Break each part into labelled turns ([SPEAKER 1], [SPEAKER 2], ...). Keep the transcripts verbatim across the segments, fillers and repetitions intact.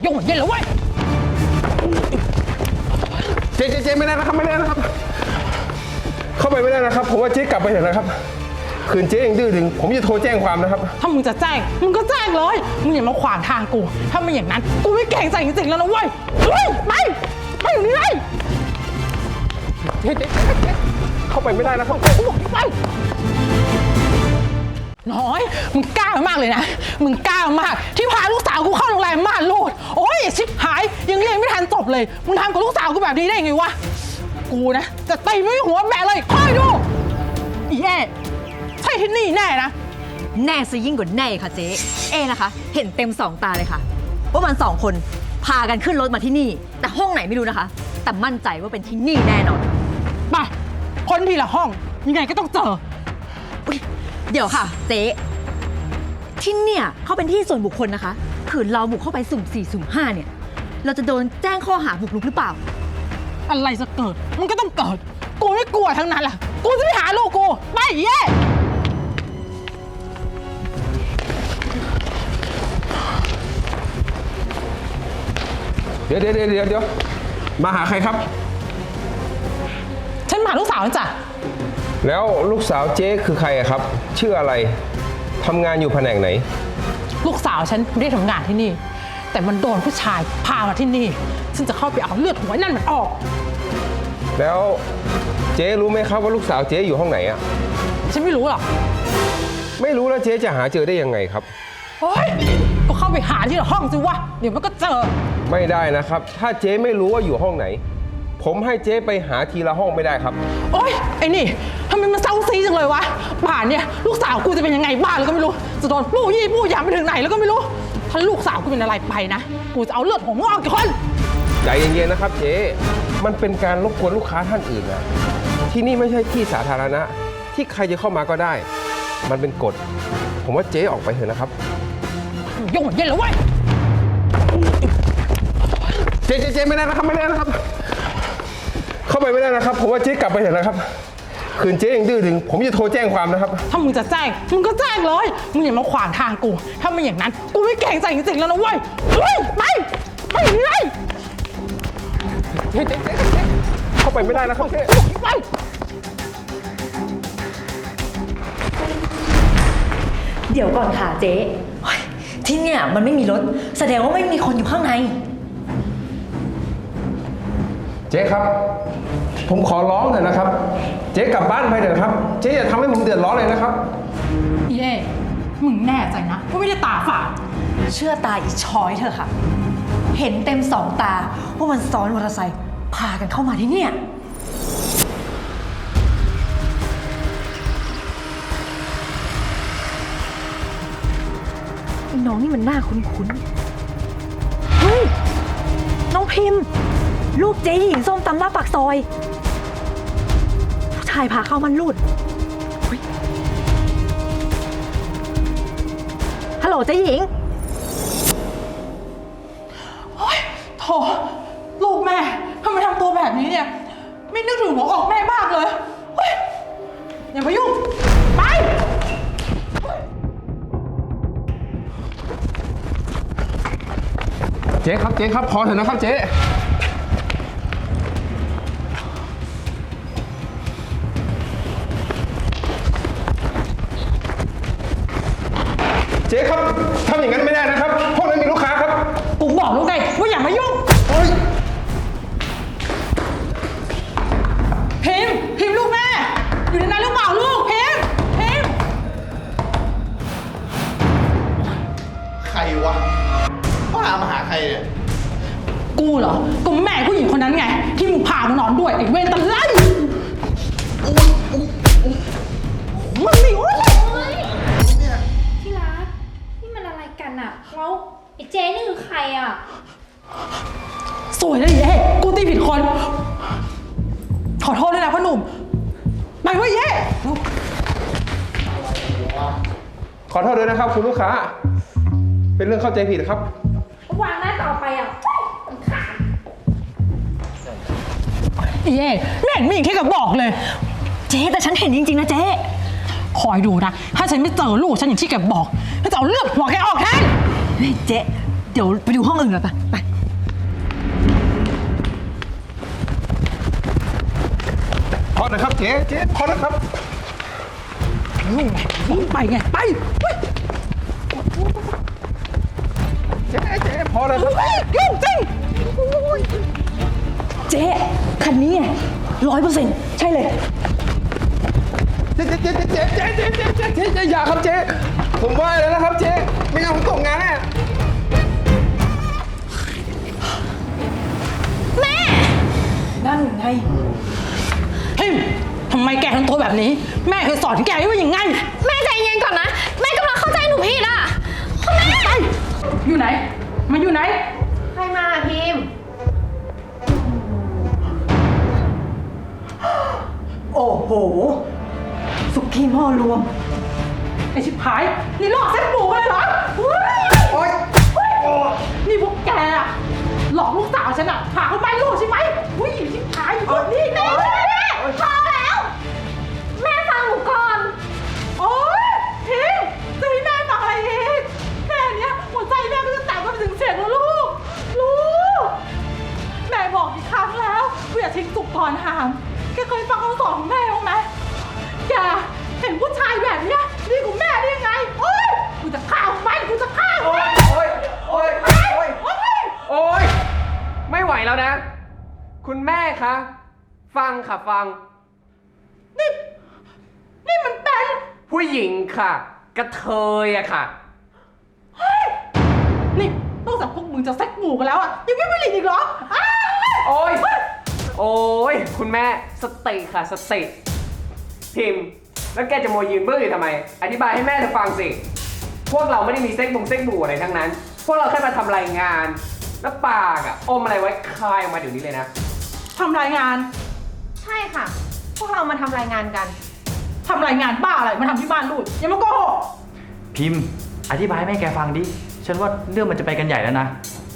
[SPEAKER 1] ยงเหมือนเย็นแล้วเว้ย
[SPEAKER 2] เจ๊เจ๊เจ๊ไม่ได้นะครับไม่ได้นะครับเข้าไปไม่ได้นะครับผมว่าเจ๊กลับไปเถอะนะครับคืนเจ๊ยังดื้อดึงผมจะโทรแจ้งความนะครับ
[SPEAKER 1] ถ้ามึงจะแจ้งมึงก็แจ้งเลยมึงอย่ามาขวางทางกูถ้าไม่อย่างนั้นกูไม่เก่งใจจริงๆแล้วนะเว้ยเฮ้ยไปไปอยู่นี่เลย
[SPEAKER 2] เจ๊เจ๊เจ๊เข้าไปไม่ได้นะครับ
[SPEAKER 1] กูบอกไปน้อยมึงกล้ามากเลยนะมึงกล้ามากที่พาลูกสาวกูเข้าโรงแรมม่านรูดโอ้ยชิบหายยังเรียนไม่ทันจบเลยมึงทำกับลูกสาวกูแบบนี้ได้ไงวะกูนะจะตีไม่หัวแม่เลยคอยดูอีแย่ใช่ที่นี่แน่นะ
[SPEAKER 3] แน่ซะยิ่งกว่าแน่ค่ะเจ๊เอนะคะเห็นเต็มสองตาเลยค่ะว่ามันสองคนพากันขึ้นรถมาที่นี่แต่ห้องไหนไม่รู้นะคะแต่มั่นใจว่าเป็นที่นี่แน่นอน
[SPEAKER 1] ไปคนทีละห้องยังไงก็ต้องเจอ
[SPEAKER 3] เดี๋ยวค่ะเจ๊ที่เนี่ยเขาเป็นที่ส่วนบุคคลนะคะขืนเราบุกเข้าไปสุ่มสี่สุ่มห้าเนี่ยเราจะโดนแจ้งข้อหาบุกรุกหรือเปล่า
[SPEAKER 1] อะไรจะเกิดมันก็ต้องเกิดกูไม่กลัวทั้งนั้นแหละกูจะไปหาลูกกูไปเย่
[SPEAKER 2] เดี๋ยวเดี๋ยวเดี๋ยวเดี๋ยวมาหาใครครับ
[SPEAKER 1] ฉันมาหาลูกสาวจ้ะ
[SPEAKER 2] แล้วลูกสาวเจ๊คือใครครับ ชื่ออะไรทำงานอยู่แผนกไหน
[SPEAKER 1] ลูกสาวฉันไม่ได้ทำงานที่นี่แต่มันโดนผู้ชายพามาที่นี่ฉันจะเข้าไปเอาเลือดหัวนั่นมันออก
[SPEAKER 2] แล้วเจ๊รู้ไหมครับว่าลูกสาวเจ๊อยู่ห้องไหนอ่ะ
[SPEAKER 1] ฉันไม่รู้หรอก
[SPEAKER 2] ไม่รู้แล้วเจ๊จะหาเจอได้ยังไงครับ
[SPEAKER 1] โอ๊ยก็เข้าไปหาที่ห้องสิวะเดี๋ยวมันก็เจอ
[SPEAKER 2] ไม่ได้นะครับถ้าเจ๊ไม่รู้ว่าอยู่ห้องไหนผมให้เจ๊ไปหาทีละห้องไม่ได้ครับ
[SPEAKER 1] โอ๊ยไอ้นี่ทำไมมันเศร้าซีจังเลยวะป่านเนี่ยลูกสาวกูจะเป็นยังไงบ้างแล้วก็ไม่รู้จะโดนปู้ยี่ปู้ยามไปถึงไหนแล้วก็ไม่รู้ถ้าลูกสาวกูเป็นอะไรไปนะกูจะเอาเลือดของมึงออกกี่คน
[SPEAKER 2] ใจเย็นๆนะครับเจ๊มันเป็นการรบกวนลูกค้าท่านอื่นนะที่นี่ไม่ใช่ที่สาธารณะที่ใครจะเข้ามาก็ได้มันเป็นกฎผมว่าเจ๊ออกไปเถอะนะครับ
[SPEAKER 1] ยงเหมือนเย็นแล้วเว้ย
[SPEAKER 2] เจ๊เจ๊ไม่ได้นะครับไม่ได้นะครับเข้าไปไม่ได้นะครับผมว่าเจ๊กลับไปเถอะนะครับคืนเจ๊ยังดื้อดึงผมจะโทรแจ้งความนะครับ
[SPEAKER 1] ถ้ามึงจะแจ้งมึงก็แจ้งเลยมึงอย่ามาขวางทางกูถ้าไม่อย่างนั้นกูไม่เก่งใจจริงๆแล้วนะเว้ยเฮ้ยไปไปเลย
[SPEAKER 2] เจ๊เจ๊เจ๊เจ๊เข้าไปไม่ได้นะครับเจ๊
[SPEAKER 1] ไป
[SPEAKER 3] เดี๋ยวก่อนค่ะเจ๊ที่เนี่ยมันไม่มีรถแสดงว่าไม่มีคนอยู่ข้างใน
[SPEAKER 2] เจ๊ครับผมขอร้องเถอะนะครับเจ๊กลับบ้านไปเถอะครับเจ๊อย่าทำให้ผมเดือดร้อนเลยนะครับ
[SPEAKER 1] เย่มึงแน่ใจนะว่าไม่ได้ตาฝาด
[SPEAKER 3] เชื่อตาอีช้อยเถอะค่ะเห็นเต็มสองตาว่ามันซ้อนมอเตอร์ไซค์พากันเข้ามาที่เนี่ยน้องนี่มันหน้าคุ้นๆเฮ้ยน้องพิมพ์ลูกเจ๊หญิงส้มตำหน้าปากซอยผู้ชายพาเข้ามันรูดฮัลโหลเจ๊หญิง
[SPEAKER 1] โอ๊ยโถลูกแม่ทำไมทำตัวแบบนี้เนี่ยไม่นึกถึงหัวอกแม่บ้างเลยเฮ้ยอย่ามายุ่งไป
[SPEAKER 2] เจ๊ครับเจ๊ครับพอเถอะนะครับเจ๊เจ๊ครับทำอย่างนั้นไม่ได้นะครับพวกนั้นมีลูกค้าครับ
[SPEAKER 1] กูบอกลูกไงว่าอย่ามายุ่งพิมพิมลูกแม่อยู่ในนั้นหรือเปล่าลูกพิมพิม
[SPEAKER 4] ใครวะป้ามาหาใครเนี่ย
[SPEAKER 1] กูเหรอกูแม่ผู้หญิงคนนั้นไงที่มึงพามานอนด้วยไอ้เวรตะไลมึงนี่โอ๊ย
[SPEAKER 5] ที่รักนี่มันอะไรกันอะแล้วไอ้เจ๊นี่คือใครอะ
[SPEAKER 1] สวยเลยเย่กูตีผิดคนขอโทษด้วยนะพ่อหนุ่มไปเว้ยเย่
[SPEAKER 2] ขอโทษด้วยนะครับคุณลูกค้าเป็นเรื่องเข้าใจผิดครับ
[SPEAKER 5] วางหน้าต่อไปอ่ะมันขาด
[SPEAKER 1] เย่แม่งมีแค่กับบอกเลย
[SPEAKER 3] เจ๊แต่ฉันเห็นจริงๆนะเจ๊
[SPEAKER 1] คอยดูนะถ้าฉันไม่เจอลูกฉันอย่างที่แกบอกฉันจะเอาเลือดหัวแกออกแทน
[SPEAKER 3] เจ๊เดี๋ยวไปดูห้องอื่นกันไปไป
[SPEAKER 2] พอนะครับเจ๊เจ๊พอนะครับ
[SPEAKER 1] ไปไง ไปเฮ้ย
[SPEAKER 2] เจ๊เจ๊พอเลยครับ
[SPEAKER 1] ยุ่งจริง
[SPEAKER 3] เจ๊คันนี้ร้อยเปอร์เซ็นต์ใช่เลย
[SPEAKER 2] เจ๊เจ๊เจ๊เจ๊เจ๊เจ๊เจ๊เจ๊เจ๊เจ๊อย่าครับเจ๊ผมว่าแล้วนะครับเจ๊ไม่งั้นผมตกงานแน่
[SPEAKER 3] นั่นไง
[SPEAKER 1] พิมทำไมแกทำตัวแบบนี้ แม่เคยสอนแกว่าอย่างไง
[SPEAKER 5] แม่ใจเย็นก่อนนะ แม่กำลังเข้าใจหนูผิดอ่ะคุณแม่
[SPEAKER 1] ไป อยู่ไหน มาอยู่ไหน
[SPEAKER 5] ใครมาพิมพ์
[SPEAKER 3] โอ้โห สุกี้หม้อรวม
[SPEAKER 1] ไอชิบหาย นี่หลอกเซ็ตหมูมาเลยเหรอเฮ้ย
[SPEAKER 2] โอ๊ย
[SPEAKER 1] เฮ้ยนี่พวกแกอะหลอกลูกสาวฉันอะพาเขาไปลูกใช่ไหมอุ้ยชิบหายอยู่นี่แม่แม่แม่พอแล้ว
[SPEAKER 5] แม่ฟังหนูก่อน
[SPEAKER 1] โอ๊ยพิมจะให้แม่ฟังอะไรอีกแค่เนี้ยหัวใจแม่ก็จะแตกไปถึงเสียงแล้วลูก ลูก แม่บอกกี่ครั้งแล้วว่าอย่าทิ้งสุกก่อนหามแกเคยฟังคำสอนของแม่บ้างไหมแกเห็นผู้ชายแบบเนี้ยดีกว่าแม่ได้ยังไง โอ๊ยกูจะฆ่ามันกูจะฆ่ามัน
[SPEAKER 2] โอ๊ยโอ๊ยโอ๊ยโอ๊ย
[SPEAKER 1] โอ๊ย
[SPEAKER 2] โอ๊ยไม่ไหวแล้วนะ คุณแม่คะ ฟังค่ะฟัง
[SPEAKER 1] นี่นี่มันเป็น
[SPEAKER 2] ผู้หญิงค่ะ กระเทยอะค่ะ
[SPEAKER 1] เฮ้ยนี่นอกจากพวกมึงจะเซ็กหมู่กันแล้วอ่ะยังไม่ผลิตอีกเหรออ้าว
[SPEAKER 2] โอ๊ย โอ๊ย คุณแม่สติค่ะสติพิมพ์ แล้วแกจะโมยยืนเบื้ออยู่ทำไม อธิบายให้แม่เธอฟังสิ พวกเราไม่ได้มีเซ็กบงเซ็กบูอะไรทั้งนั้น พวกเราแค่มาทำรายงาน แล้วปากอะอมอะไรไว้คายออกมาเดี๋ยวนี้เลยนะ
[SPEAKER 1] ทำรายงาน
[SPEAKER 5] ใช่ค่ะ พวกเรามาทำรายงานกัน
[SPEAKER 1] ทำรายงานบ้าอะไรมาทำที่บ้านลูกอย่ามาโกหก
[SPEAKER 6] พิมพ์ อธิบายให้แม่แกฟังดิ ฉันว่าเรื่องมันจะไปกันใหญ่แล้วนะ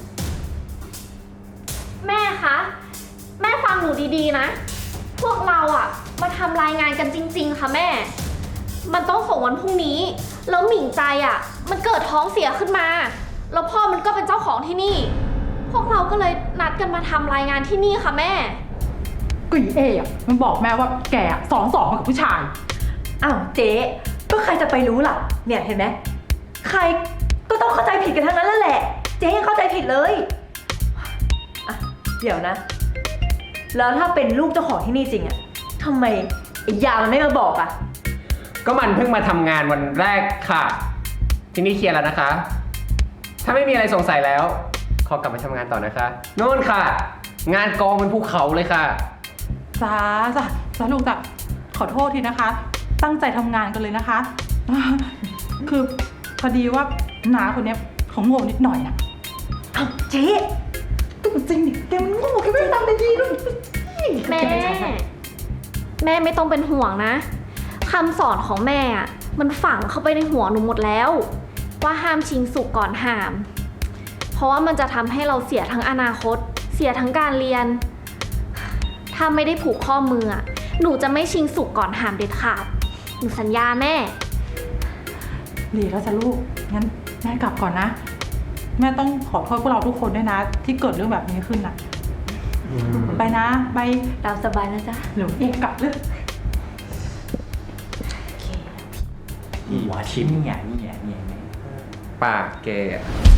[SPEAKER 5] แม่คะ แม่ฟังหนูดีๆนะ พวกเราอะมาทำรายงานกันจริง ๆ ค่ะแม่ มันต้องส่งวันพรุ่งนี้ แล้วหมิ่งใจอะมันเกิดท้องเสียขึ้นมา แล้วพ่อมันก็เป็นเจ้าของที่นี่ พวกเราก็เลยนัดกันมาทำรายงานที่นี่ค่ะแม่
[SPEAKER 1] ก็อีเอ๋อะมันบอกแม่ว่าแกอะสองสองมากับผู้ชาย
[SPEAKER 3] อ้าวเจ๊ก็ใครจะไปรู้ล่ะ เนี่ยเห็นไหมใครก็ต้องเข้าใจผิดกันทั้งนั้นแล้วแหละ เจ๊ยังเข้าใจผิดเลยอ่ะเดี๋ยวนะ แล้วถ้าเป็นลูกเจ้าของที่นี่จริงอะทำไมไอ้ยามันไม่มาบอกอะ
[SPEAKER 2] ก็มันเพิ่งมาทำงานวันแรกค่ะ ทีนี้เคลียร์แล้วนะคะ ถ้าไม่มีอะไรสงสัยแล้ว ขอกลับมาทำงานต่อนะคะโน่นค่ะ งานกองเป็นภูเขาเลยค่ะ
[SPEAKER 1] จ้าจ้าจ้าลูกจ้ะขอโทษทีนะคะ ตั้งใจทำงานกันเลยนะคะ คือพอดีว่าน้าคนเนี้ยเขาโง่นิดหน่อยอะ
[SPEAKER 3] อ้าวเจ๊
[SPEAKER 1] ก็จริงดิแกมันโง่แกไม่ได้ทำได้ดีด้วย
[SPEAKER 5] แม่ แม่ไม่ต้องเป็นห่วงนะคำสอนของแม่อะมันฝังเข้าไปในหัวหนูหมดแล้ว ว่าห้ามชิงสุกก่อนหาม เพราะว่ามันจะทำให้เราเสียทั้งอนาคต เสียทั้งการเรียน ถ้าไม่ได้ผูกข้อมืออะหนูจะไม่ชิงสุกก่อนหามเด็ดขาดหนูสัญญาแม่
[SPEAKER 1] ดีแล้วจ้ะลูก งั้นแม่กลับก่อนนะ แม่ต้องขอโทษพวกเราทุกคนด้วยนะ ที่เกิดเรื่องแบบนี้ขึ้นน่ะ ไปนะไป
[SPEAKER 3] ตามสบายนะจ๊ะ
[SPEAKER 1] เดี๋ยวเอกกลับเลย
[SPEAKER 6] หัวชิ้นเนี่ยเนี่ยเนี่ยเนี่ย
[SPEAKER 2] ปากแกอะ